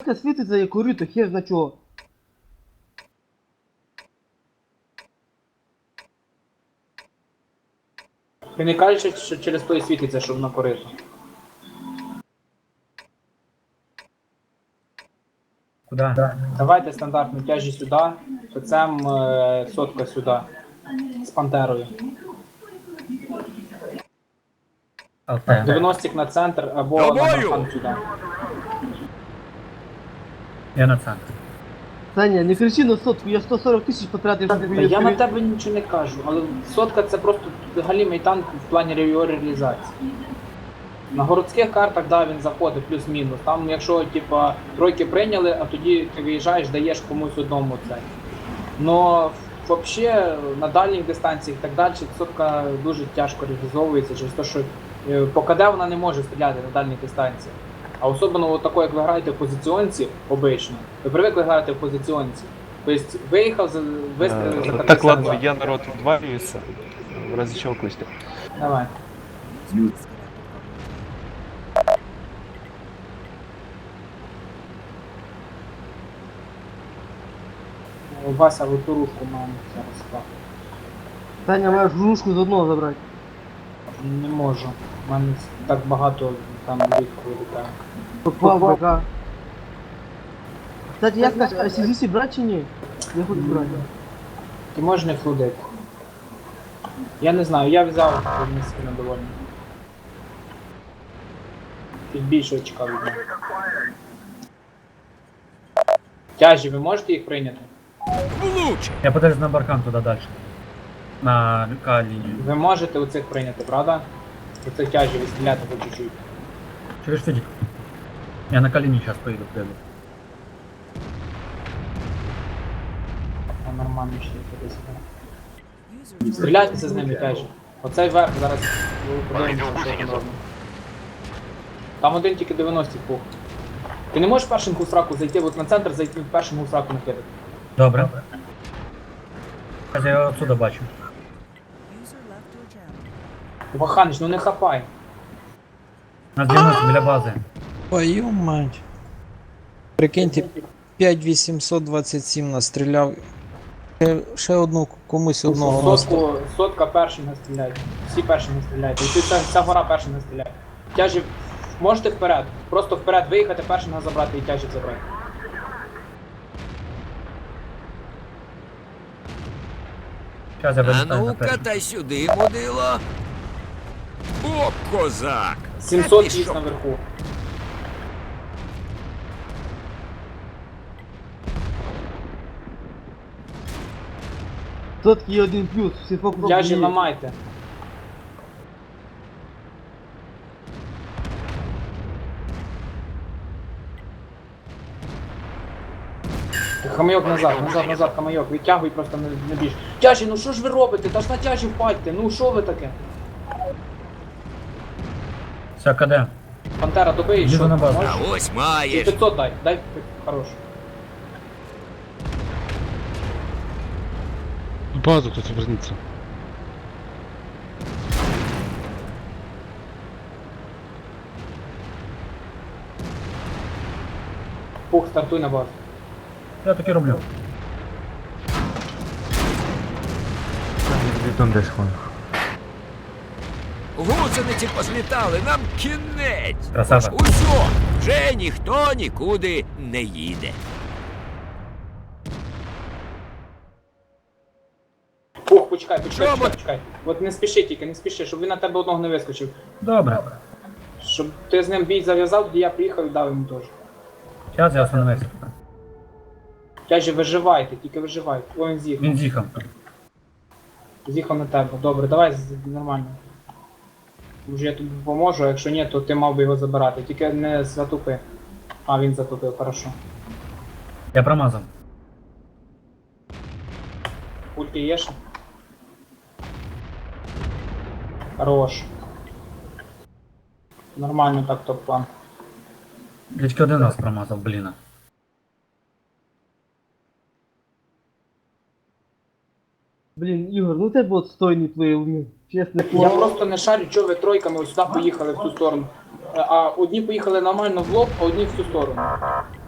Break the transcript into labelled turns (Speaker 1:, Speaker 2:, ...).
Speaker 1: сотка світиться як корито, хер на чого.
Speaker 2: Ти не кажеш, що через той світиться, щоб на корито.
Speaker 3: Куда?
Speaker 2: Давайте стандартну тяжі сюди, ПЦМ сотка сюди. З пантерою.
Speaker 3: Окей.
Speaker 2: 90-ік на центр або на Мархан сюди.
Speaker 3: Я на центр.
Speaker 1: Саня, не кричи на сотку, я 140 тисяч потратив, щоб
Speaker 2: Та
Speaker 1: її
Speaker 2: я на
Speaker 1: відкрити.
Speaker 2: тебе нічого не кажу, але сотка це просто галімий танк в плані його реалізації. На городських картах, да, він заходить плюс-мінус. Там, якщо типа тройки прийняли, а тоді ти виїжджаєш, даєш комусь одному це. Но взагалі на дальніх дистанціях і так далі сотка дуже тяжко реалізовується через те, що по КД вона не може стріляти на дальніх дистанціях. А особливо от такої, як ви граєте в позиціонці, обично, ви привикли грати в позиціонці. Тобто виїхав, вистрілив, за
Speaker 4: Так, ладно,
Speaker 2: 52.
Speaker 4: я народ отваливается. В разе чего, Костя?
Speaker 2: Давай. Вася, ви ту рушку маємо зараз так.
Speaker 1: Саня, маєш рушку з одного забрати.
Speaker 2: Не можу. У мене так багато там рідко вилітає.
Speaker 1: Попав БК. Кстати, як наш ICGC брати чи ні? Я хочу брати.
Speaker 2: Ти можеш не флудити. Я не знаю, я взяв, не сильно довольний. Ти більше чекав від мене. Тяжі, ви можете їх прийняти?
Speaker 3: Я подержу на баркан туда дальше. На К-линию.
Speaker 2: Ви можете оцих прийняти, правда? Оцих тяжі ви стріляти по чуть-чуть.
Speaker 3: Через фидик. Я на К-линию сейчас поеду, приеду.
Speaker 2: А нормально ще десь. Стріляйтеся з ними тяжі. Оцей верх зараз подивимося, що там робимо. Там один тільки 90 пух. Ти не можеш першим гусраку зайти, от на центр зайти, першим гусраку накидати.
Speaker 3: Добре. Сейчас я його отсюда бачу.
Speaker 2: Ваханич, ну не хапай.
Speaker 3: На 90 біля бази.
Speaker 5: Твою мать. Прикиньте, 5827 настріляв. Ще одну комусь одного настріляв.
Speaker 2: Сотка першим не стріляє. Всі першим не стріляють. І ця гора першим не стріляє. Тяжі, можете вперед. Просто вперед виїхати, першим забрати і тяжі забрати.
Speaker 3: Сейчас я
Speaker 6: А
Speaker 3: вилітаю на
Speaker 6: ну-ка,
Speaker 3: перший.
Speaker 6: та сюди, мудило. О, козак!
Speaker 2: 700
Speaker 6: Та ти
Speaker 2: їсть
Speaker 6: що?
Speaker 2: наверху.
Speaker 1: Сотки є один плюс, всі фокус.
Speaker 2: Тяжі ламайте. Хамайок назад, хамайок, витягуй просто не біж. Тяжі, ну що ж ви робите? Та ж на тяжі впадьте, ну що ви таке?
Speaker 3: Все, КД.
Speaker 2: Пантера, добий,
Speaker 3: Їду
Speaker 2: що?
Speaker 3: на базу.
Speaker 2: Можеш?
Speaker 6: А ось
Speaker 2: І
Speaker 6: маєш.
Speaker 2: 500 дай хорош.
Speaker 7: В базу кто-то вернется.
Speaker 2: Пух, стартуй на базу.
Speaker 3: Я таки роблю.
Speaker 6: Гусениці позлітали, нам кінець.
Speaker 3: Красава.
Speaker 6: Усьо, вже ніхто нікуди не їде.
Speaker 2: Пух, почекай.
Speaker 6: Чому?
Speaker 2: От не спіши тільки, не спіши, щоб він на тебе одного не вискочив.
Speaker 3: Добре.
Speaker 2: Щоб ти з ним бій зав'язав, тоді я приїхав і дав йому теж.
Speaker 3: Сейчас я остановився.
Speaker 2: Тяжі, виживайте, тільки виживайте. О, він з'їхав.
Speaker 3: Він з'їхав.
Speaker 2: З'їхав на тебе. Добре, давай нормально. Може я тобі поможу, а якщо ні, то ти мав би його забирати. Тільки не затупи. А, він затупив, хорошо.
Speaker 3: Я промазав.
Speaker 2: Пульки є ще? Хорош. Нормально так топ-план.
Speaker 3: Я тільки один раз промазав, блін.
Speaker 1: Блін, Ігор, ну тебе отстойний твої умі. Чесне
Speaker 2: Я
Speaker 1: слово.
Speaker 2: просто не шарю, чого ви тройками ось сюди поїхали в цю сторону. А одні поїхали нормально в лоб, а одні в цю сторону.